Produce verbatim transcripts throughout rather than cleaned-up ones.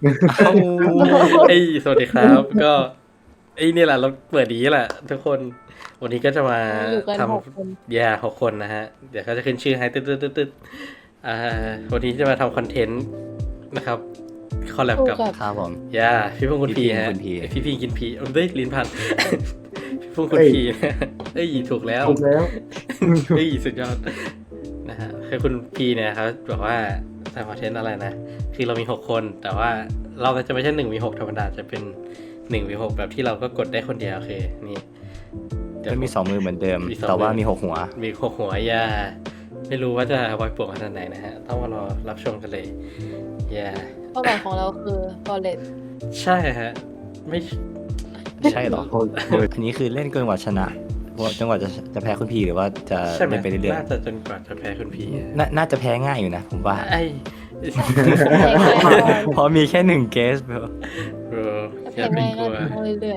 เอ้าไอ้ยสวัสดีครับก็ไอ้นี่แหละเราเปิดดีแหละทุกคนวันนี้ก็จะมาอยู่กันทหกคนำแย่หกคนนะฮะ เดี๋ยวเขาจะขึ้นชื่อให้ตึ๊ดตึ๊ดตึ๊ดตึ๊ดอ่าวันนี้จะมาทำคอนเทนต์นะครับคอลแลบคู่กับกับครับผมย่าพี่พุ่งคุณพี่พีพิงฮะคุณพีพี่พิงกินพีเอ้ยลิ้นพัน พี่พุ่งคุณเอ้ยพีนะเอ้ยถูกแล้วถูกแล้วเฮ้ยสุดยอดนะฮะคือคุณพีเนี่ยครับบอกว่าทำคอนเทนต์อะไรนะคือเรามีหกคนแต่ว่าเราก็จะไม่ใช่หนึ่งวีหกธรรมดาจะเป็นหนึ่งวีหกแบบที่เราก็กดได้คนเดียวโอเคนี่เดี๋ยวจะมีสองมือเหมือนเดิมมีสองแต่ว่ามือมีหกหัวมีหกหัวยาไม่รู้ว่าจะวายป่วงขนาดไหนนะฮะต้องมารอรับชมกันเลยยาเป้าหมายของเราคือ Forest ใช่ฮะไม่ใช่เหรอโอ้ยอันนี้คือเล่นเกินกว่าชนะจนกว่าจะจะแพ้คุณพีหรือว่าจะใช่ไหมเล่นไปเรื่อยน่าจะจนกว่าจะแพ้คุณพีๆน่าน่าจะแพ้ง่ายอยู่นะ ผมว่าไอ้เพราะมีแค่หนึ่งเกสเบลเออเพอย่าลงไปง่ายกก็ลัวทำเรื่อย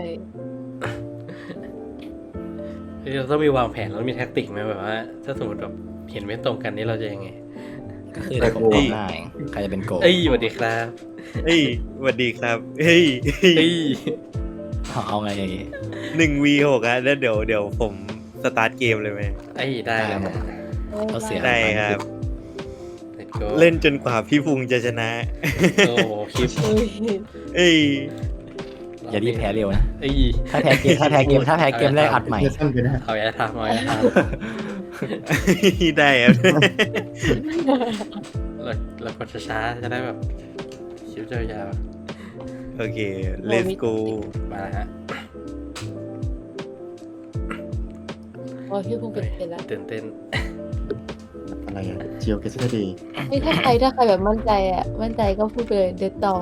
เฮ้ยเราต้องมีวางแผนแล้วมีแท็กติกไหมแบบว่า ถ้าสมมติแบบเห็นไม่ตรงกันนี่เราจะยังไงก็คือแต่ผมตอบได้ใครจะเป็นโกลเอ้ยสวัสดีครับเฮ้ยสวัสดีครับ เฮ้ยเอ้ยเอาเอาไงอย่างงี้หนึ่งวีหกอะแล้วเดี๋ยวเดี๋ยวผมสตาร์ทเกมเลยไหมไอ้ยได้เลยนะๆเราเสียได้ครับ Let's go เล่นจนกว่าพี่พุงจะชนะโอ้โหคลิปอุ้ยเอ้ยอย่ารีบแพ้เร็วนะเอ้ยถ้าแพ้เกมถ้าแพ้เกมถ้าแพ้เกมแรกอัดใหม่เดี๋ยวสั้นไปนะเอาอย่าทำเอาอย่าทได้ครับำเราเรากดช้าๆจะได้แบบคลิปยาวโอเค let's go ๆมาแล้วฮะโอ้ยพี่พุ่งเป็นเป็นแล้วตื่นเต้นอะไรอ่ะเจียวเกสเดย์นี่ถ้าใครถ้าใครแบบมั่นใจอ่ะ มั่นใจก็พูดไปเลยเด็ดต่อ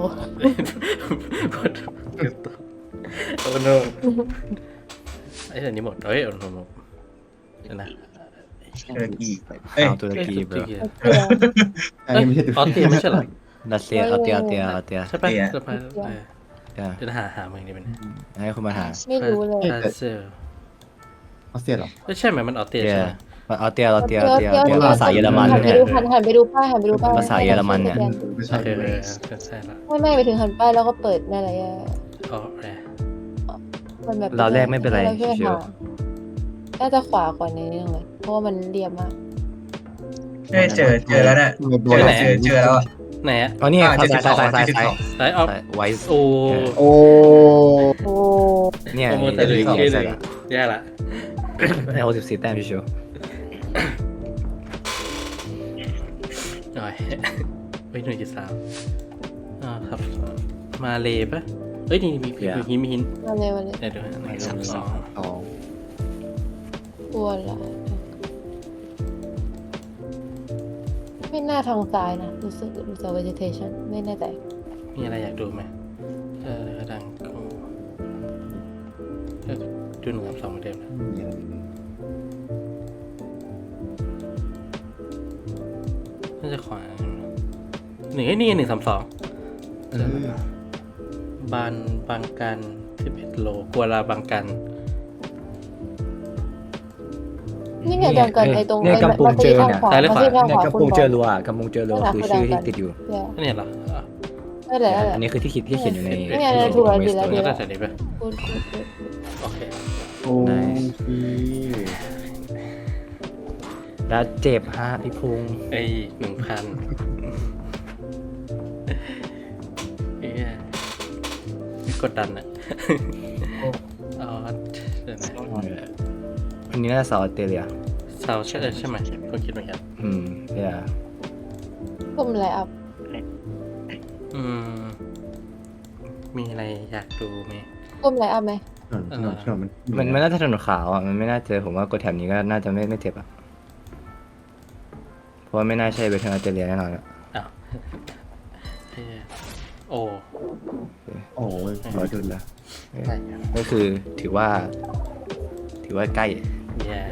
โอ้โนไอ้เดี๋ยวนี้หมดเอ้ยโอ้โนหมดเดี๋ยวนะเอออีกเอ้ยเอาตุรกีเบลเอ้ยอันนี้ไม่ใช่ออสเตรียไม่ใช่เหรอรัสเซียเอาเตียเอาเตียเอาเตียใช่ปะจะไปเออเดี๋ยวจะหาหาเมืองนี้เป็นให้คุณมาหาไม่รู้เลยพาเซลออสเตรียเหรอไม่ใช่ไหมมันออสเตรียเตียใช่ไหมเอาเตียเอาเตียเอาเตียเอาเตียภาษาเยอรมันหันไปเนี่ยดูหันหันไปดูป้ายหันไปดูป้ายภาษาเยอรมันเนี่ยไม่ใช่โอเคเลเลย ยใช่ละไม่ไม่ไปถึงหันป้ายแล้วก็เปิดนั่นอะไรอ่ะอ๋อแหมมันแบบเราแรกไม่เป็นไรเราช่วยเชียวหาน่าจะขวากว่านี้นึงเลย เพราะว่ามันเรียบมากเอ้ยเจอเจอแล้วเนี่ยโดนเจอเจอเจอแล้วอะไหนอะอ๋อนี่อ่าซ้ายซ้ายซ้ายซ้ายเจ็ดสิบซ้ายสองไลท์ออฟไว้โอ้โอ้โอ้เนี่ยโปรโมทแต่เลยชื่อเลยแย่ละไอ้หกสิบสี่แต้มพี่ชูหน่อยเฮ้ยหนึ่งจุดสามอ่าครับมาเลยปะเฮ้ยนี่มีมีหินมีหินมาเลยมาเลยเดี๋ยวเดี๋ยวหนึ่งสองสองสองกลัวละไม่น่าทางซ้ายนะรู้สึกรู้สึก vegetation ไม่แน่ใจมีอะไรอยากดูไหมเออดังกูเออดูหนึ่งกับสองเหมือนเดิมนะน่าจะขวาหนึ่งไอ้นี่หนึ่งสามสองบานบางกันสิบเอ็ดโลกัวลาบางกันนี่ไงดังกันไอ้ตรงเนี่ยไอ้กำปุงเจอเนี่ยมันจะทางขวามันจะทางเนี่ยขวากำคุปุณงบเจออก รัวกำปุงเจอรัวคือชื่อที่ติดอยู่เนี่ยนี่เหรออ่ะนั่นแหละนั่นแหละอันนี้คือที่คิดที่เขียนอยู่ในเนี่ยเนี่ยถูกแล้วดีแล้วดีก็แล้ได้วแต่นี้ไปพูดพูดพูดโอเคโอ้ยแล้วเจ็บฮะพี่พุงไอ้หนึ่งพันเอ้ยไม่กดดันอ่ะอ๋อเดี๋ยวนะอันนี้น่าจะสาวออสเตรเลียเซาใช่ใช่ไหมก็คิดเหมือนกันอืมเนี่ยกลุ่มไลน์อัพอืม มีอะไรอยากดูไหมกลุ่มไลน์อัพไหมถนนถนนมันมันมันน่าจะถนนขาวอ่ะมันไม่น่าเจอผมว่ากดแถบนี้ก็น่าจะไม่ไม่เจ็บอ่ะเพราะว่าไม่น่าใช่เวทเทิร์นออสเตรเลียแน่นอนอ่ะอ้าวเฮ้ยโอ้โอ้ยร้อยเดือนละใช่ก็คือถือว่า ถือว่าใกล้แย่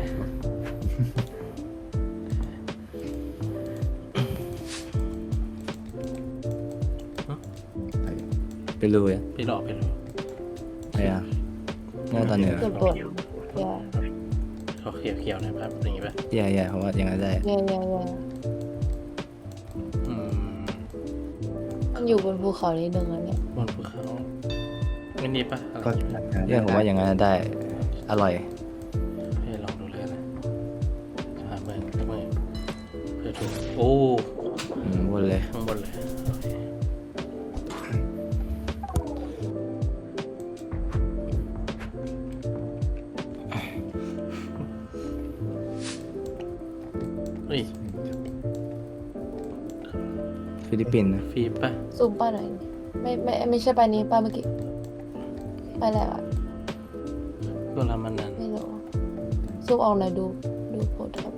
ไปรู้อ่ะไปหลอกไปหลอกอะไรอ่ะเนี่ยตอนเหนือเกือบปวดแย่เขาเขียวเขียวๆนะครับอย่างงี้ป่ะแย่แย่เพราะว่ายังไงได้แย่แย่แย่อืมเมันอยู่บนภูเขานิดนึงแล้วเนี่ยบนภูเขาไม่นี่ปะอะไรก็อย่างเงี้ยเนี่ยผมว่าอย่างนั้นได้ อร่อยให้ลองดูเลยนะหาเมืองเมืองเพื่อถูกโอ้อืมวนเลยข้างบนเลยโอเคเฮ้ยฟิลิปปินส์นะฟีปะซูมป้าหน่อยไม่ไม่ไม่ใช่ป้านี้ป้าเมื่อกี้ไปแล้วอะตัวละมันนั้นไม่รู้ซูมออกหน่อยดูดูโพสครับ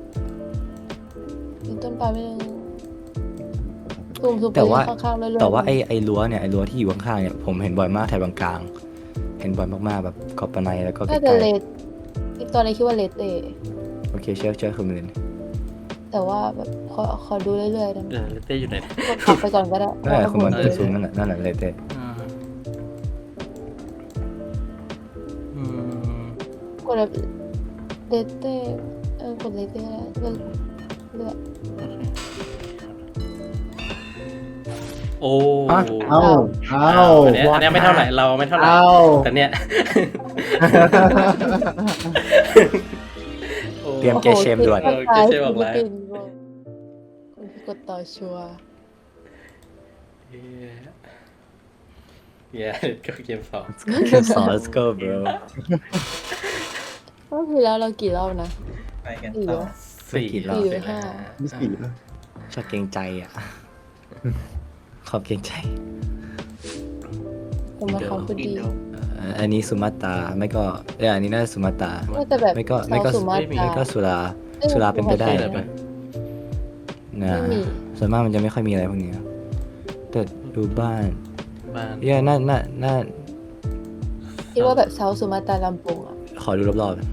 เป็นต้นปลาไม่นึงซูมซูมไปแต่ว่าข้างๆเรื่อยๆแต่ว่าไอ้ไอ้รั้วเนี่ยไอ้รั้วที่อยู่ข้างๆเนี่ยผมเห็นบ่อยมากแถวบางกลาง เห็นบ่อยมากๆแบบกอบปะไนแล้วก็ใกน่าจะล้เลดอีกตอนนี้คิดว่าเลดเตๆโอเคเชื่อเชื่อคุณมิลินแต่ว่าแบบขอขอดูเรื่อยๆนะเออเลเต้อยู่ไหนกดขับไปก่อนก็ได้นั่นแหละคุณมันเอจะอซูมนั่นแหละนั่นแหละเลยเต้อ่าอืมกดแบบเลดเตเออกดเลดเตแล้วเลือกโอ้เอ้าเอ้าอันเนี้ยอันเนี้ยไม่เท่าไหร่เราไม่เท่าไหร่เอ้าแต่เนี้ยเตรียมเกมเชมด่วนเออเกมเชมออกแล้วฟิลิปปินส์บอกคนที่กดต่อชัวร์เย้ก็เกมสองสอน let's go bro รอบที่แล้วเรากี่รอบนะไปกันสี่ต่อวะสี่กี่รอบสี่หรือห้าไม่สี่แล้วชอบเกรงใจอ่ะ ขอบเกรงใจผมมาเขาพูดดีเอ่ออันนี้สุมาตราไม่ก็เอออันนี้น่าจะสุมาตราน่าจะแบบไม่ก็ไม่ก็ซาสุมาตราไม่ก็สุราเอ้ยสุราเป็นไปได้ไม่นะมีนะไม่มีส่วนมากมันจะไม่ค่อยมีอะไรพวกนี้นะแต่ดูบ้านบ้านเย่น่าน่าน่าคิดว่าแบบเซาสุมาตราลำปงอ่ะขอดูรอบๆ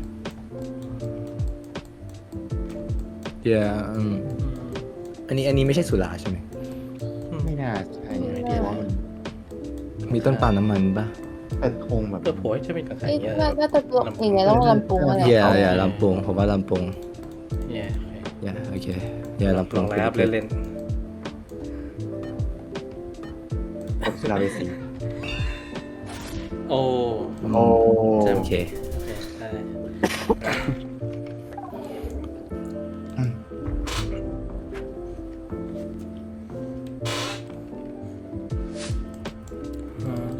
เย่อืมอันนี้อันนี้ไม่ใช่สุราใช่ไหมไม่น่าใช่นะเพราะว่ามันมีต้นปาล์มน้ำมันปะแต่ธงแบบเออโผล่จะเป็นกับใครเอ้ยเงี้ยน่าน่าจะอย่างไงต้องลำปงอะไรเย่เย่ลำปงผมว่าลำปงเย้เย่โอเคเย่ลำปลอง งแล้วครับเล่นกดสุราเวสีๆโอ้โอ้โอเคโอเคได้อืม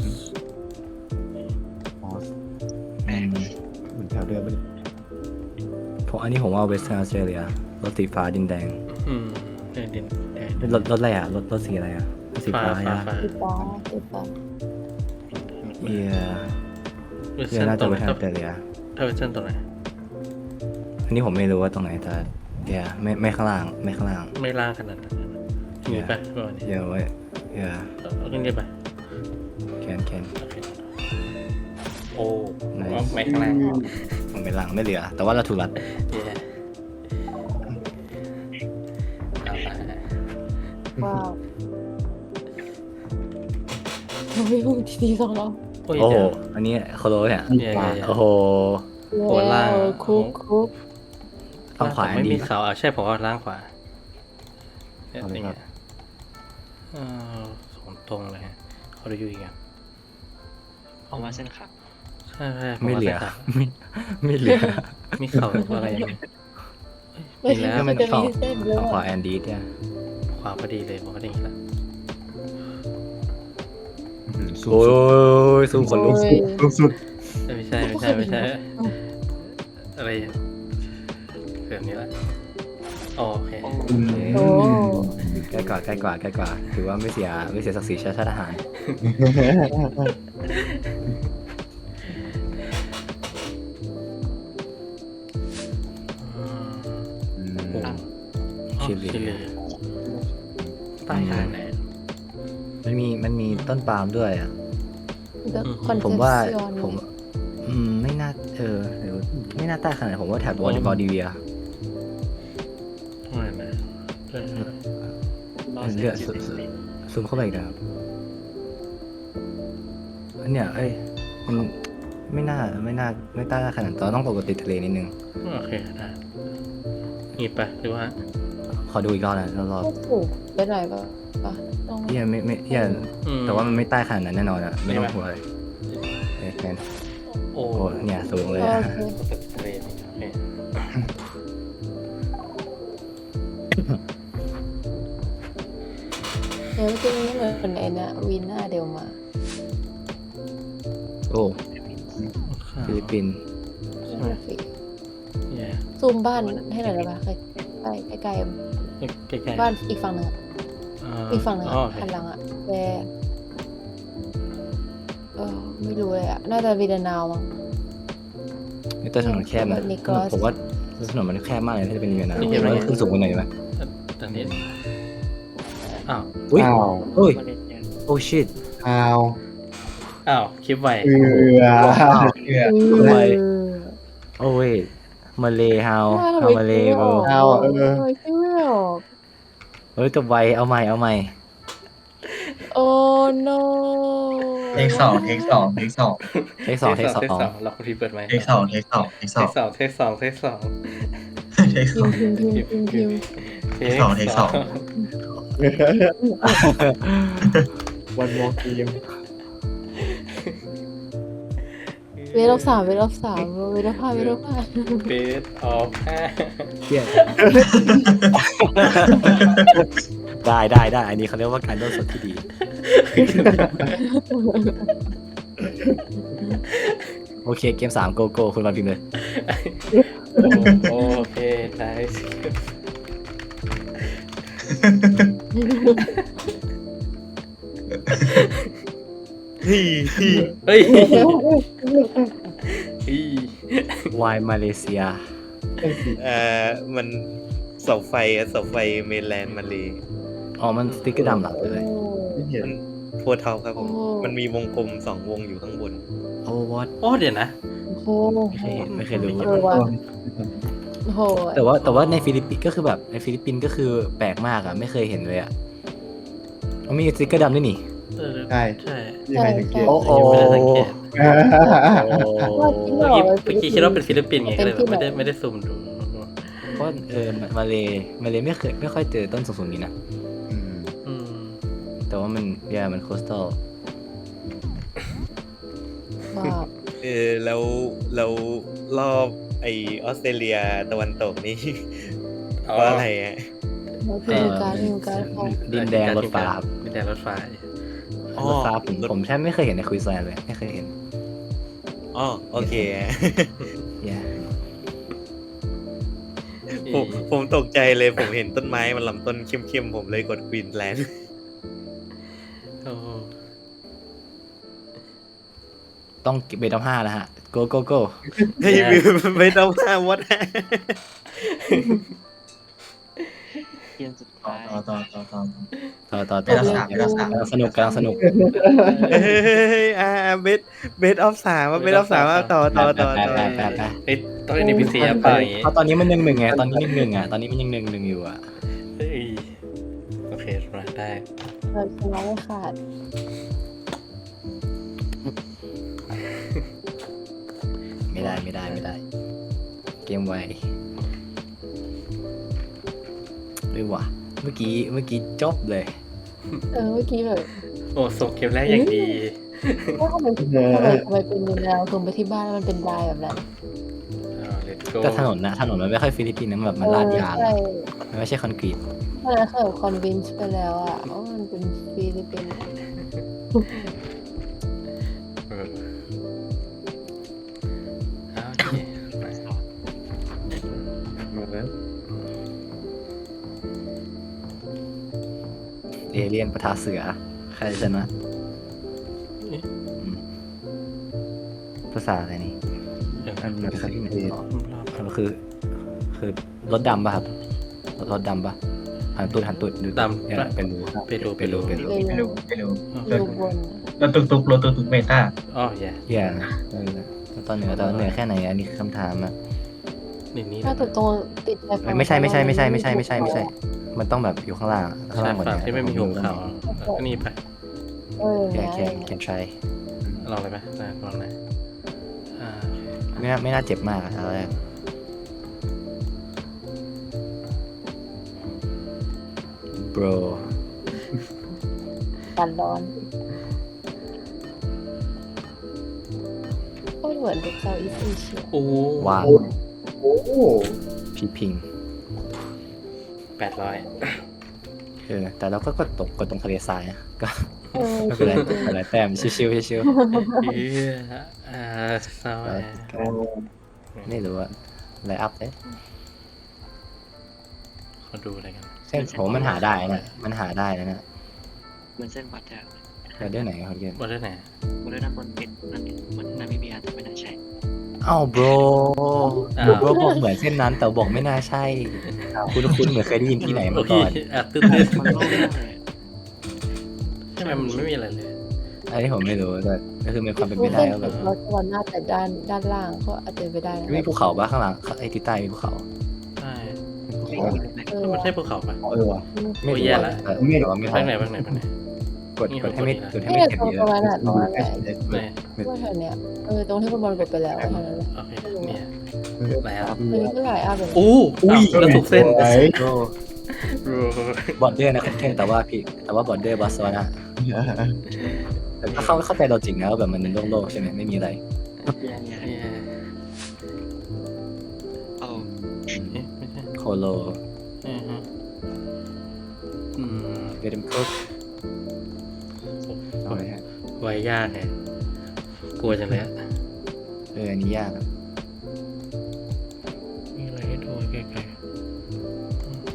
อ๋ออืมเหมือนแถวเดิมไปเลยผมอันนี้ผมว่าเวสเทิร์นออสเตรเลียรถสีฟ้าดินแดงอืมเดินดินเดินรถรถอะไรอ่ะรถรถสีอะไรอ่ะรถสีฟ้าฟ้าฟ้าอ่ะฟ้าติดตาติดตาเย่เวอร์เย่ชันน่าตรจะงเวไหนสเทิร์นออสเตรเลียถ้าเวอร์ชันตรงไหนอันนี้ผมไม่รู้ว่าตรงไหนแต่เย่ไม่ไม่ข้างล่างไม่ข้างล่างไม่ล่างขนาดนั้นมีปะประมาณนี้เย่ไว้เย่เอาขึ้นได้ปะแคนแคนโอเคโอ้ Nice ไม่ข้างล่างผมไม่ล่างไม่เหลือ แต่ว่าเราถูกรัดเย้เอาละว้าวเราไม่พูดทีๆสองรอบโอ้ยโอ้โหเดี๋ยวอันนี้โคโลเนี่ยเย้เย้เย้โอ้โหโอ้ล่างเออคุกคุกฝั่งขวาอันไม่ดีมีเขาเอาใช่ผมเอาล่างขวาเนี่ยอย่างเงี้ยเออสองตรงเลยฮะเขาดูอยู่อีกอ่ะออกมาเส้นครับใช่ใช่ผไม่ว่าเหลือส้นขาวไม่ไม่เหลือมีเขาอะไรอย่างเงี้ยเอ้ยมีแล้วก็มันจะฝั่งมีเส้นด้วยฝั่งขวาแอนดีเนี่ยขวาพอดีเลยผมก็ได้ยินแล้วอืมสูงโอ้สุดยสู้คนลุกโอ้ยสูงสุดเอ้ยไม่ใช่ไม่ใช่ไม่ใช่อะไรแบบนี้ละอ๋อโอเคอืมโอ้ใกล้กว่าใกล้กว่าใกล้กว่าถือว่าไม่เสียไม่เสียศักดิ์ศรีชาติทหารอืมอืมโอ้ชิลีชิลีใต้ขนาดไหนมันมีมันมีต้นปาล์มด้วยอ่ะคอนเทผมว่าซิออนผมอืมไม่น่าเออหรือไม่น่าใต้ขนาดนั้นผมว่าแถบบอลบอลดีเวียเท่าไหร่นะเออเลือดซูซูซูมเข้าไปอีกนะครับอันเนี้ยเอ้ยมันไม่น่าไม่น่าไม่ใต้ขนาดนั้นต้องปกติทะเลนิดนึงโอเคได้หยิบไปหรือว่าผขอดูอีกรอบนะรอบก็ถูกไปหน่อยปะปะต้องๆเฮียไม่ไม่เฮียอืมแต่ว่ามันไม่ใต้ขนาดนั้นแน่นอนอะไม่ต้องห่วงเลยเอ้ยแมนโอ้โอ้เนี่ยสูงเลยโออะเคทะเลนี่โอเคเดี๋ยวจะมีเหมือนไอ้นะวีน่าเดลมาโอ้ฟิลิปปินส์นั่นสิแย่ซูมบ้านให้หน่อยได้ปะใกล้ใกล้ใกล้ใกล้ๆๆบ้านอีกฝั่งหนึ่งอะาอีกฝั่งหนึ่งอ๋ออะโอเคหันหลังอะแต่เออไม่รู้เลยอะน่าจะวีเดนาวมั้งนี่ตัวถนนแคบนะนิโคลัสผมว่าถนนมันแคบมากเลยถ้าจะเป็นอย่างนั้นนะมันขึ้นสูงกว่าหน่อยไหมตอนนี้อ้าวอุ้ยอ้าวโอ้ยโอ้ชิตอ้าวอ้าวคลิปไวเอือเชื่อทำไมเออโอ้ยมาเลเฮาว่าทำเฮาไมมาเลคิดโบไม่ออกเอาเออทำไมคิดไม่ออกเฮ้ยกับไวเอาใหม่เอาใหม่โอ้ no เทคสองเทคสองเทคสองเทคสองเทคสองเทคสองเราคุณทีเปิดไหมเทคสองเทคสองเทคสเทองคสองเทคสองเทคสองเทคสพิอมงพ์พิมพ์พิมพ์พิมพ์พิมพ์เทคสองเทคสองวันมองทีมเวลบสามเวลบสามเวลบห้าเวลบห้าเบสออฟห้าเชี่ยได้ได้ได้อันนี้เขาเรียกว่าการโดนสดที่ดี โอเคเกมสามโกโก้คุณมาพิมพ์เลยโอเคไนส์ฮีฮีเฮ้ยอีวายมาเลเซียเอ่อมันเสาไฟอะเสาไฟเมนแลนด์มาเลยอ๋อมันสติ๊กเกอร์ดำเหรอเลยไม่เห็นมันโพเทาครับผม มันมีวงกลมสองวงอยู่ข้างบนโอ้วอตโอ้เดี๋ยวนะโอ้โหไม่เคยเห็นไม่เคยรู้เออว่ะโอ้โหแต่ว่าแต่ว่าในฟิลิปปินส์ก็คือแบบในฟิลิปปินส์ก็คือแปลกมากอ่ะไม่เคยเห็นเลยอ่ะมันมีสติ๊กเกอร์ดำด้วยนี่เออใช่ใช่ยังไงสังเกตโอ้โหยังไม่ได้สังเกตว่าจริงเหรเมื่ออกี้เมื่อกี้คิดว่าเป็นฟิลิปปินส์ไงก็เลยเป็นที่ไม่ได้ไหนไม่ได้ซูมดูเพราะเออมาเลมาเลไม่เคยไม่ค่อยเจอต้นสูงๆนี้นะอืมอืมแต่ว่ามันยามันโคสตัลว่าเออแล้วแล้วรอบไอออสเตรเลียตะวันตกนี่อ๋อเพราะอะไรอ่ะพิมพ์การพิมพ์การของดินแดงรถฟ้าครับดินแดงรถไฟอ๋อรถฟ้าผมผมแทบไม่เคยเห็นในควีนสแลนด์เลยไม่เคยเห็นอ๋อโอเคยาผมผมตกใจเลยผมเห็นต้นไม้มันลำต้นเข้มๆผมเลยกดควีนแลนด์โอ้ต้องเบต้าห้าแล้วฮะโกโกโกเฮ้ยไม่ไม่ต้องมาวัดต่อต่อต่อต่อต่อต่อเวต่อลาสามเวลาสามกำลังสนุกกำลังสนุกเฮ้ยอ่าเบสเบสออฟสามเบสออฟสามต่อต่อต่อต่อไปไปไปเฮ้ยต้อง เอ็น พี ซี อ่ะเปล่าอย่างงี้เพราะตอนนี้มันหนึ่งหนึ่งไงตอนนี้หนึ่งหนึ่งอ่ะตอนนี้มันยังหนึ่งหนึ่งอยู่อ่ะเฮ้ยโอเคมาได้เราชนะไม่ขาดไม่ได้ไม่ได้ไม่ได้ เกมไวด้วยว่ะเมื่อกี้เมื่อกี้จบเลยเออเมื่อกี้แบบโอ้ส่งเกมแรกอย่างดีว่าทำไมทำไมทำไมเป็นแนวตรงไปที่บ้านแล้วมันเป็นลายแบบนั้นอ่า let's go ก็ถนนนะถนนมันไม่ค่อยฟิลิปปินส์นะแบบมันลาดยางใช่มันไม่ใช่คอนกรีตตอนนั้นเคยคอนวินส์ไปแล้วอะว่ามันเป็นฟิลิปปินส์เอออ่าโอเคมามาแล้วเอเลี่ยนปะทะเสือใครชนะอืมภาษาอะไรนี่เดี๋ยวอันภาษาที่ไหนอ๋อรอบมันคือ คือรถดำป่ะครับรถรถดำป่ะหันตุดหันตุดดูเนี่ยเป็นรูไปดูเป็นรูเป็นรูไม่รู้ไม่รู้อยู่บนรถตุกตุกรถตุกตุกเมตาอ๋อแย่เฮียเออตอนเหนือตอนเหนือแค่ไหนอันนี้คือคำถามอะนี่นี่ถ้าตรงติดชายฝั่งไม่ใช่ไม่ใช่ไม่ใช่ไม่ใช่ไม่ใช่ไม่ใช่ มันต้องแบบอยู่ข้างล่างข้างล่างหมดฝั่งเนี่ยที่ไม่มีหุบเขาก็นี่ไปเออแค่นะแค่แค่ try ลองเลยไหมนะลองนะอ่าไม่น่าไม่น่าเจ็บมากอะเอาแรก bro การร้อนก็เหมือนเป็นเซาท์อีสต์เอเชียโอ้ว้าวโอ้โหพี่พิงแปดร้อยเออแต่เราก็กดตกกดตรงทะเลทรายอะก็เออไม่เป็นไรไม่เป็นไรแต้มชิวๆชิวเอออ่าเศร้าแหละๆไม่รู้อะไลน์อัพเลยเขาดูอะไรกันเส้นผมมันหาได้นะมันหาได้นะเนี่ยเหมือนเส้นวัดอะเราเดือนไหนเขาเรียนบนได้ไหนบริเวณด้านบนเป็นนั่นเหมือนนามิเบียแต่ไม่น่าใช่อ้าว bro bro บอกเหมือนเส้นนั้นแต่บอกไม่น่าใช่ คุณคุณเหมือนเคยได้ยินที่ไหนโอมาเคก่อนอ่ะตื้นตื้นมันโล่งมากเลยใช่ไหมมันไม่มีอะไรเลยอันนี้ผมไม่รู้แต่ก็คือมีความเป็นไปรู้ได้เส้นว่าแบถึบงเราจะวันหน้าแต่ด้านด้านล่างก็อาจจะไปได้นะมีภูเขาปะข้างหลังไอ้ที่ใต้มีภูเขาใช่เออมันใช่ภูเขาปะเออว่ะไม่โอ้ยรู้แย่อะละแต่แต่ว่าไม่บ้างไหนบ้างไหนบ้างไหนกดกดให้ไม่กดให้เนี่ไม่ยเก็บตรงเยตรงอะนั้นอ่ะตรงนั้นแหละไหนว่าแถวเนี้ยเออตรงที่คุณบอลกดไปแล้วเท่านั้นแหละโอเคเนี่ยไหนอ่ะมันก็หลายอัพเลยอู้อ้าวแล้วถูกเส้นไอ้โอ้รูบอร์เดอร์นะคุณเทนแต่ว่าพี่แต่ว่าบอร์เดอร์บอสวานะแต่ก็เข้าเข้าใจเราจริงนะว่าแบบมันโล่งๆใช่ไหมไม่มีอะไรเนี่ยเนี่ยเนี่ยเอาเอ๊ะไม่ใช่โคโลอือฮึอืมเวดมคุกเอาเลยฮะไว้ยากไงกลัวจังเลยอะเอออันนี้ยากอะมีอะไรให้ดูใกล้ๆอืม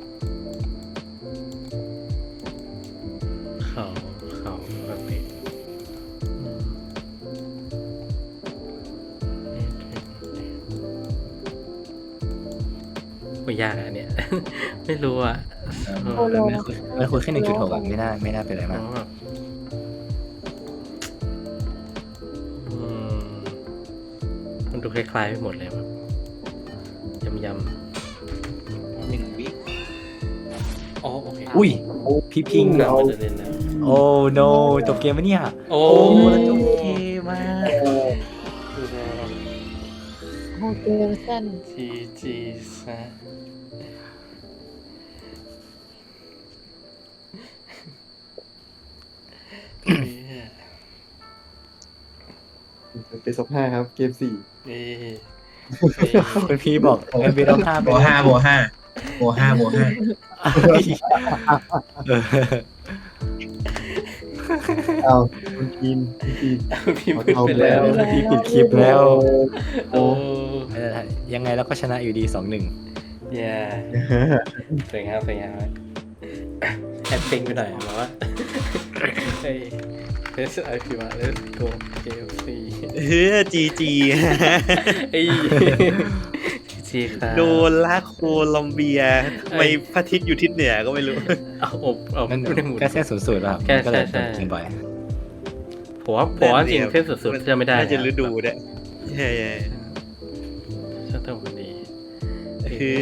เขาเขาแบบนี้อืมนี่ถึงไม่ยากอะเนี่ย ไม่รู้อ่ะเออมันคุยมันคุยแค่หนึ่งจุดหกอะไม่น่าไม่น่าเป็นอะไรมากเพราะแบบอืมมันดูคล้ายๆไปหมดเลยแบบยำยำหนึ่งวิๆอ๋อโอเคอุ้ยพี่พิงเราเอาจะเล่นแล้วโอ้ no จบเกมปะเนี่ยโอ้แล้วจบเกมมากโอเคเส้นจีจีซะเอ้ยเป็นซบห้าครับ เกมสี่เอ้ยคุณพี่บอกเอ็มบีต้องห้าโบห้าโบห้าโบห้าโบห้าเออเอาคุณทีมคุณทีมพี่มืดไปแล้วพี่ปิดคลิปแล้วโอ้ยังไงเราก็ชนะอยู่ดีสองหนึ่งแย่สวยงามสวยงามแอดเพลงไปหน่อยบอกว่าเฮ้ยเฮ้ยไอพีมาเลสโกเกมซีเฮ้ยจีจีไอ้จีครับโดนลากโคลัมเบียทำไมพระอาทิตย์อยู่ทิศเหนือก็ไม่รู้เอาอบเอานั่นไม่ได้หมุนแค่เส้นศูนย์สูตรป่ะแค่ก็เลยใช่ใช่เกินบ่อยผมว่าผมว่าจริงเส้นสุดๆจะไม่ได้น่าจะฤดูเนี่ยใช่ช่างเท่าพอดีๆเฮ้ย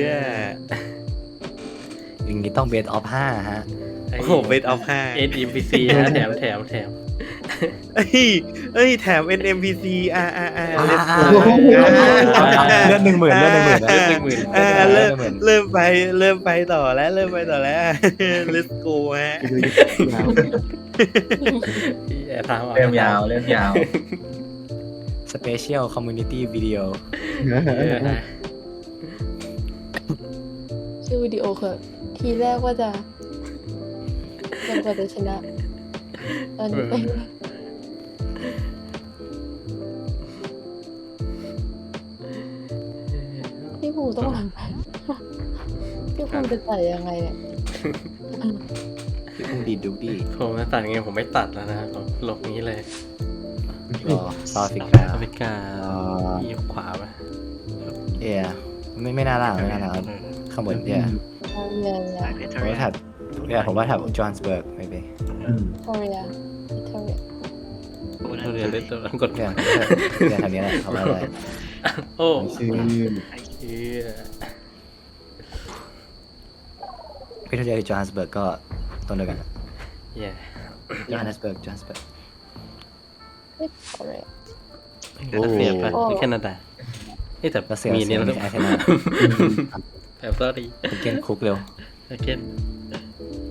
อย่างนี้ต้องเบสออฟห้าฮะโอ้โหเบสออฟห้าเอ็นอิมพีซีนะแถมแถมแถมเอ้ยเอ้ยแถม เอ็น เอ็ม พี ซี อ่าอ่าอ่า let's go เลือดหนึ่งหมื่นเลือดหนึ่งหมื่นเลือดหนึ่งหมื่นอ่าเริ่มหมื่นเริ่มไปเริ่มไปต่อแล้วเริ่มไปต่อแล้ว let's go ฮะแอบถามเริ่มยาวเริ่มยาวสเปเชียลคอมมูนิตี้วิดีโอเออนะชื่อวิดีโอคือทีแรกว่าจะจนกว่าจะชนะตอนนี้ไปพี่ภูต้องทำไปพี่ภูจะใส่ยังไงเนี่ยพี่พุ่งดีดูดีผมจะตัดไงผมไม่ตัดแล้วนะผมลบนี้เลยรอซาฟิกาอเมริกาอีขวาป่ะเอียไม่ไม่น่าล่างไม่น่าล่างข้างบนเอียเอาเรียนสายเพชรผมว่าถัดเนี่ยผมว่าถัดจอห์นสเบิร์กไม่ไปโคเรียอิตาลีโอ้นั่เรานเรียนเล่นตัวกดเนี่ยเนี่ยทางนี้แหละเอาไว้เลยโอ้ชื่อเฮียพี่ทุเรียนจอห์นสเบิร์กก็ต้นเดียวกันแย่จอห์นสเบิร์กจอห์นสเบิร์กไม่โคเรียรัสเซียป่ะหรือแคนาดาเอ้แต่รัสเซียมีเนี่ยรัแล้วสเซียมีอาร์เซนอลแบบสอรี่คุณเกนคุกเร็วเกน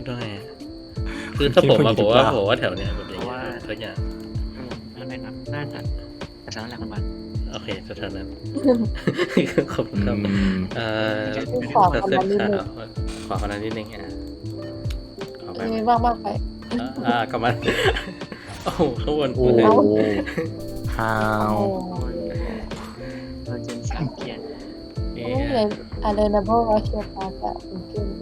ดว่าไงอะคือถ้าผมมาผมว่าผมว่าแถวเนี้ยแบบอย่างเงี้ยสักอย่างอืมนั่นเลยนะน่าจะแต่สำหรับแหละมันวันโอเคแถวๆนั้นขอบคุณอืครับมเอ่อขอคนละนิดนึงขอคนละนิดนึงอ่ะขอไปมีบ้างมากไปอ่าอ่ากลับมาโอ้โหข้างบนโอ้โอ้โหฮาโอ้วเออเจนสามเกียร์นี่โหเลยอะไรนะเพราะว่าเชียร์ปาจะเป็นขึ้น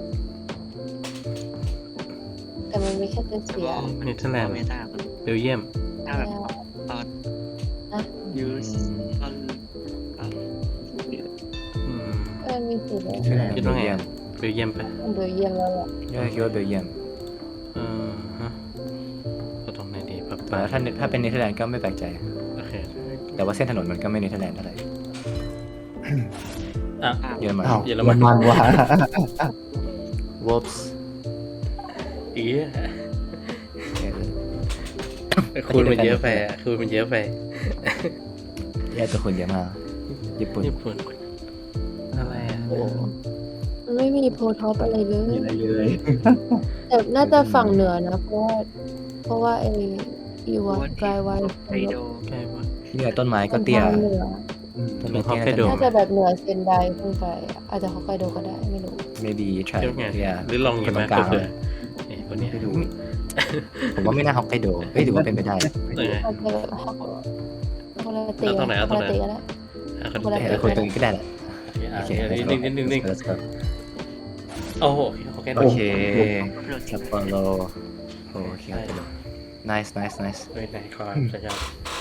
แต่มันมีแค่เป็นเสียเนเธอร์แลนด์เมตาคนเบลเยียมถ้าแบบตอนนะยูสตอนตอนอืมเออมีสีเลยคิดว่าไงอะเบลเยียมไปะมันดูเยี่ยมแล้วอ่ะยอดคิดว่าเบลเยียมเออฮะก็ตรงไหนดีปั๊บแต่ว่าถ้าถ้าเป็นเนเธอร์แลนด์ก็ไม่แปลกใจโอเคแต่ว่าเส้นถนนมันก็ไม่เนเธอร์แลนด์เท่าไหร่อ่ะเยอรมันอ้าวเยอรมัมันนมันว่ะวอลส์อีคูณมันเยอะไปอ่ะคูณมันเยอะไปแย่ตัวคนเยอะมากญี่ปุ่นญี่ปุ่นอะไรอ่ะโอ้มันไม่มีโพลท็อปอะไรเลยมีอะไรเลยแต่น่าจะฝั่งเหนือนะเพราะว่าเพราะว่าไออีวานกลายวันไอโดใกล้ว่าเนี่ยต้นไม้ก็เตี้ยทางเหนือต้นไม้ฮอกไกโดเตี้ยน่าจะแบบเหนือเซนไดขึ้นไปอะอาจจะฮอกไกโดก็ได้ไม่รู้ maybe try เทียบไง yeah หรือลองอคย่าน งตรนั้งนกลางก็คือไอ้คนเนี้ยไม่ดูผมว่าไม่น่าฮอกไกโดเฮ้ยถือว่าเป็นไปได้เอออาจจะแบบฮอกคนละตีเอาตรงไหนเอาตรงไหนคนละตีก็ได้อ่ะคนคนละเดีแต่ยวคนตรงนี้ก็ได้แหละโอโอเคเคอ่ะนิดนึงนิดนึงนิดนึง let's go โอ้โหฮอกไกโดโอเคโดดซัปโปโรโอเค nice nice nice เฮ้ยไหนขอสัญญาณ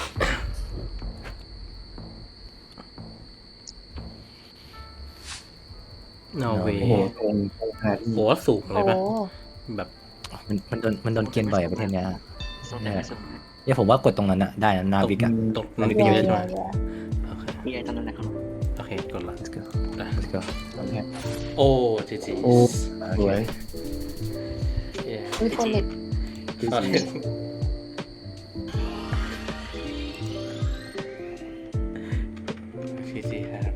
นอร์เวโอ้โหย์ตรงตรงหาที่โหสูงเลโอ้ยปะแบบมันมันโดนมันโดนเกณฑ์บ่อยอะประเทศเนี้ยส่งได้สุดเนี่ยผมว่ากดตรงนั้นอะได้นะนาวิกอะตกมันนิดก็เดีเยยวอะใช่ไหมอย่าโอเคมีไอตอนนั้นแหละครับโอเคกดละ let's go let's go โอ้จีจีโอ้สวยมีคนเล็กตอนนี้จีจีครับ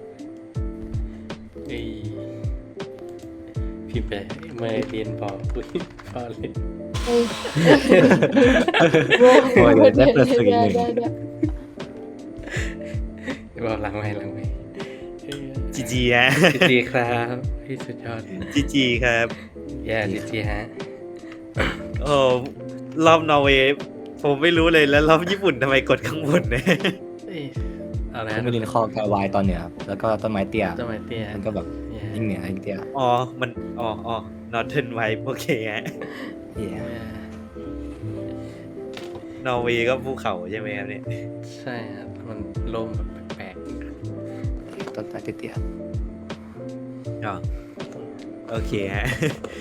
เอ้ยพิมพ์ไปเมื่อเรียนบอกคุยพอเลยเฮ้ยโอ้ยเดี๋ยวได้เปิดสื่อหนึ่งได้ได้บอกหลังไม่หลังไม่จีจีฮะจีจีครับพี่สุดยอดจีจีครับแย่จีจีฮะโอ้รอบนอร์เวย์ผมไม่รู้เลยแล้วรอบญี่ปุ่นทำไมกดข้างบนเนี่ยเอ้ยเอาละผมไม่ลินคอกาวายตอนเหนือครับแล้วก็ต้นไม้เตี้ยต้นไม้เตี้ยมันก็แบบยิ่งเหนือยิ่งเตี้ยอ๋อมันอ๋ออ๋อนอร์เทิร์นไวโอเคฮะเหี้ยนอร์เวย์ก็ภูเขาใช่ไหมครับเนี่ยใช่ครับมันโล่งแบบแปลกต้นไม้เตี้ยอ๋อโอเคฮะ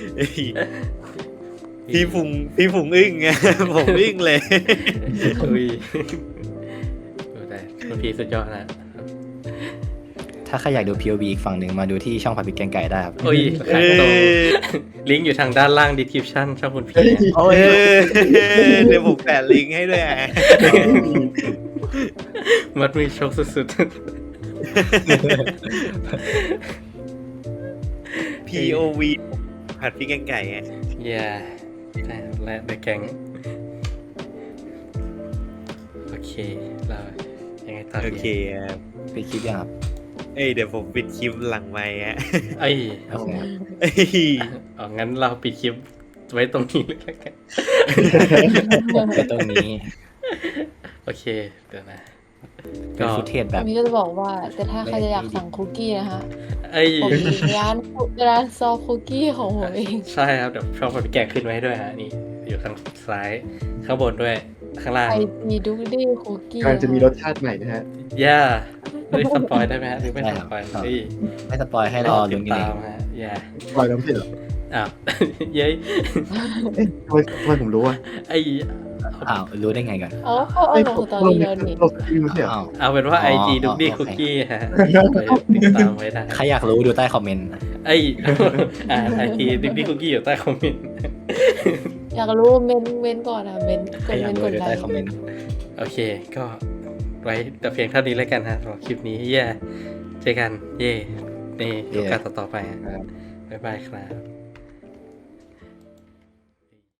พี่ผุงพี่ผุงอึ้งไง ผมอึ้งเลยๆอุ้ยดูได้คุณพี่สุดยอดนะๆถ้าใครอยากดู พี โอ วี อีกฝั่งหนึ่งมาดูที่ช่องผัดพริกแกงไก่ได้ครับโอ้ยเอขายตรงอลิงก์อยู่ทางด้านล่าง description ช่องคุณพี่เฮ้ยนะโอ้ยเออเดี๋ยวผมแปะลิงก์ให้ด้วยอ่ะมัดมือชกสุดพี โอ วี ผัดพริกแกงไก่ฮะๆ อย่าใช่และ The Gang โอเคเรายังไงต่อโอดีเคครับไปคลิปยังครับเอ้ยเดี๋ยวผมปิดคลิปหลังไมค์ฮะเอ้ยโอเคครับเอ้ยเอางั้นเราปิดคลิปไว้ตรงนี้เลยละกันไปตรงนี้โอเค เดี๋ยวนะเป็นฟุตเทจแบอับนนี้ก็จะบอกว่า แต่ถ้าใครจะอยากสั่งคุกกี้นะคะเอ้ยผมมีร้านร้านซอฟคุกกี้ของผมเองใช่ครับ เดี๋ยวช่องผมแกะขึ้นไว้ให้ด้วยฮะ นี่ อยู่ทางซ้าย ข้างบนด้วย ข้างล่างไอซีดุกดี้คุกกี้กำลังจะมีรสชาติใหม่นะฮะย่าไม่สปอยได้ไหมฮะหรือไม่สปอยเฮ้ยไม่สปอยให้รอติลุ้ดนกันเอตามงฮะอย่าปล่อยน้ำเผ็ดเหรออ้าว เย้ยเอ๊ะทำไมทำไมผมรู้อ่ะไอ้อ้าวรู้ได้ไงก่อนอ๋อเขาเอาเอ้ยลผมงตอนเรานี้แล้วนี่เราสตรีมไม่ใช่เหรออ้าวเอาเป็นว่าอ๋ไออจีดุกดี้โอเคคุกกี้ฮะไปติดตามไว้ได้ใครอยากรู้ดูใต้คอมเมนต์ไอ้ อ่าไอจีดุกดี้คุกกี้อยู่ใต้คอมเมนต์อยากรู้เมนเมนก่อนอ่ะเมนกใครดอยาเมกนรู้กดดูไลใต้ค์คอมเมนต์โอเค ก็ไว้แต่เพียงเท่านี้แล้วกันฮะสำหรับคลิปนี้เย่เจอกัน เย่ในโอกาสต่อๆไปฮะบ๊ายบายครับ